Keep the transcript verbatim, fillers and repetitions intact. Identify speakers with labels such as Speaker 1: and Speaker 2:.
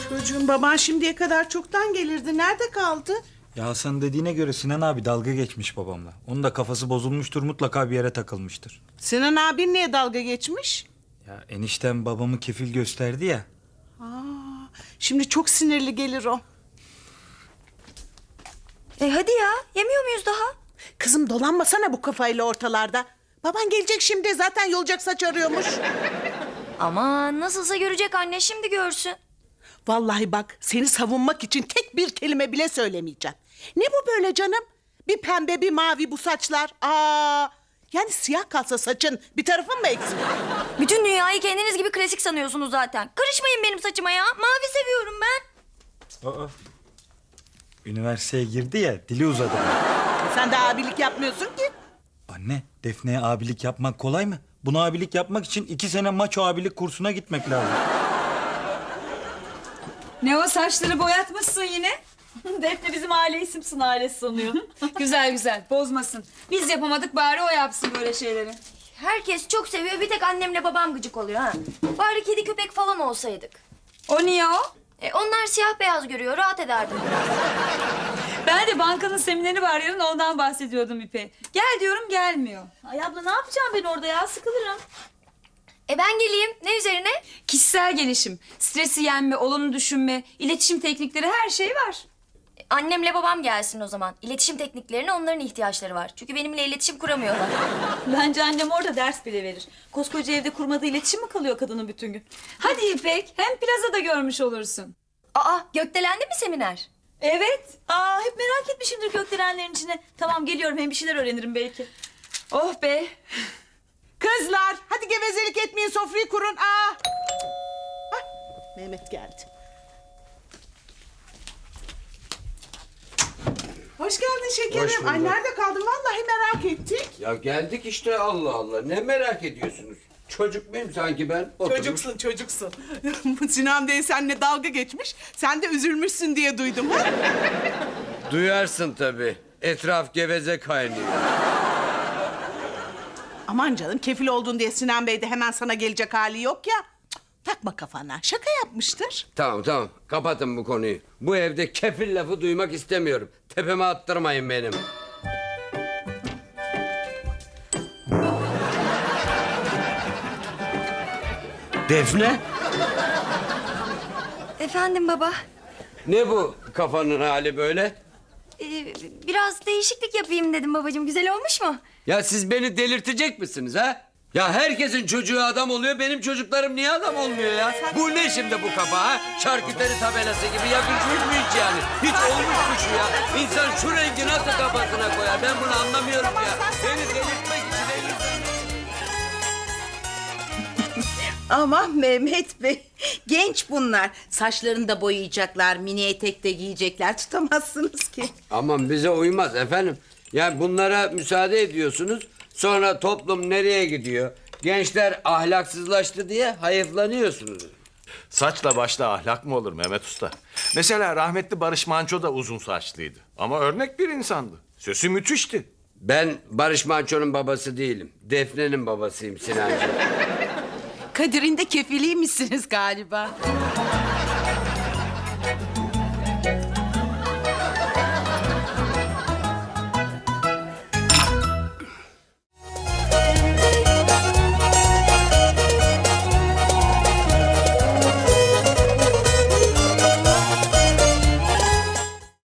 Speaker 1: Çocuğum, baban şimdiye kadar çoktan gelirdi. Nerede kaldı?
Speaker 2: Ya Hasan dediğine göre Sinan abi dalga geçmiş babamla. Onun da kafası bozulmuştur, mutlaka bir yere takılmıştır.
Speaker 1: Sinan abin niye dalga geçmiş?
Speaker 2: Ya eniştem babamı kefil gösterdi ya.
Speaker 1: Aa, şimdi çok sinirli gelir o.
Speaker 3: E hadi ya, yemiyor muyuz daha?
Speaker 1: Kızım, dolanmasana bu kafayla ortalarda. Baban gelecek şimdi, zaten yolacak saç arıyormuş.
Speaker 3: Ama nasılsa görecek anne, şimdi görsün.
Speaker 1: Vallahi bak, seni savunmak için tek bir kelime bile söylemeyeceğim. Ne bu böyle canım? Bir pembe bir mavi bu saçlar. Aa, yani siyah kalsa saçın bir tarafın mı eksik?
Speaker 3: Bütün dünyayı kendiniz gibi klasik sanıyorsunuz zaten. Karışmayın benim saçıma ya. Mavi seviyorum ben.
Speaker 2: Aa. Üniversiteye girdi ya, dili uzadı.
Speaker 1: Sen de abilik yapmıyorsun ki.
Speaker 2: Anne, Defne'ye abilik yapmak kolay mı? Buna abilik yapmak için iki sene maço abilik kursuna gitmek lazım.
Speaker 4: Ne o, saçları boyatmışsın yine? Defne bizim aile isimsin, ailesi sanıyor. Güzel güzel, bozmasın. Biz yapamadık, bari o yapsın böyle şeyleri.
Speaker 3: Herkes çok seviyor, bir tek annemle babam gıcık oluyor ha. Bari kedi köpek falan olsaydık.
Speaker 4: O niye o?
Speaker 3: E, onlar siyah beyaz görüyor, rahat ederdim biraz.
Speaker 4: Ben de bankanın semineri var yarın, ondan bahsediyordum İpe. Gel diyorum, gelmiyor. Ay abla, ne yapacağım ben orada ya, sıkılırım.
Speaker 3: E ben geleyim, ne üzerine?
Speaker 4: Kişisel gelişim, stresi yenme, olumlu düşünme, iletişim teknikleri, her şey var.
Speaker 3: E, annemle babam gelsin o zaman. İletişim tekniklerine onların ihtiyaçları var. Çünkü benimle iletişim kuramıyorlar.
Speaker 4: Bence annem orada ders bile verir. Koskoca evde kurmadığı iletişim mi kalıyor kadının bütün gün? Hadi İpek, hem plazada görmüş olursun.
Speaker 3: Aa, gökdelendi mi seminer?
Speaker 4: Evet. Aa, hep merak etmişimdir gökdelenlerin içine. Tamam, geliyorum, hem bir şeyler öğrenirim belki. Oh be.
Speaker 1: Kızlar, hadi gevezelik etmeyin, sofrayı kurun. Aa. Hah, Mehmet geldi. Hoş geldin şekerim.
Speaker 5: Hoş bulduk.
Speaker 1: Ay, nerede kaldın? Vallahi merak ettik.
Speaker 5: Ya geldik işte, Allah Allah. Ne merak ediyorsunuz? Çocuk muyum sanki ben? Oturmuş.
Speaker 1: Çocuksun, çocuksun. Sinan Bey seninle dalga geçmiş. Sen de üzülmüşsün diye duydum. Ha?
Speaker 5: Duyarsın tabii. Etraf geveze kaynıyor.
Speaker 1: Aman canım, kefil oldun diye Sinan Bey de hemen sana gelecek hali yok ya. Cık, takma kafana. Şaka yapmıştır.
Speaker 5: Tamam tamam, kapatın bu konuyu. Bu evde kefil lafı duymak istemiyorum. Tepeme attırmayın benim. Defne?
Speaker 3: Efendim baba.
Speaker 5: Ne bu kafanın hali böyle?
Speaker 3: Ee, biraz değişiklik yapayım dedim babacığım. Güzel olmuş mu?
Speaker 5: Ya siz beni delirtecek misiniz ha? Ya herkesin çocuğu adam oluyor, benim çocuklarım niye adam olmuyor ya? Bu ne şimdi bu kafa ha? Şarküteri tabelası gibi yakışmış mı hiç yani? Hiç olmuş mu şu ya? İnsan şu rengi nasıl kafasına koyar? Ben bunu anlamıyorum ya. Beni delirtmek için elinizden...
Speaker 6: Aman Mehmet Bey, genç bunlar. Saçlarını da boyayacaklar, mini etek de giyecekler. Tutamazsınız ki.
Speaker 5: Aman bize uymaz efendim. Ya bunlara müsaade ediyorsunuz. Sonra toplum nereye gidiyor? Gençler ahlaksızlaştı diye hayıflanıyorsunuz.
Speaker 7: Saçla başla ahlak mı olur Mehmet Usta? Mesela rahmetli Barış Manço da uzun saçlıydı. Ama örnek bir insandı. Sesi müthişti.
Speaker 5: Ben Barış Manço'nun babası değilim. Defne'nin babasıyım Sinancığım.
Speaker 6: Kadir'in de kefiliymişsiniz galiba.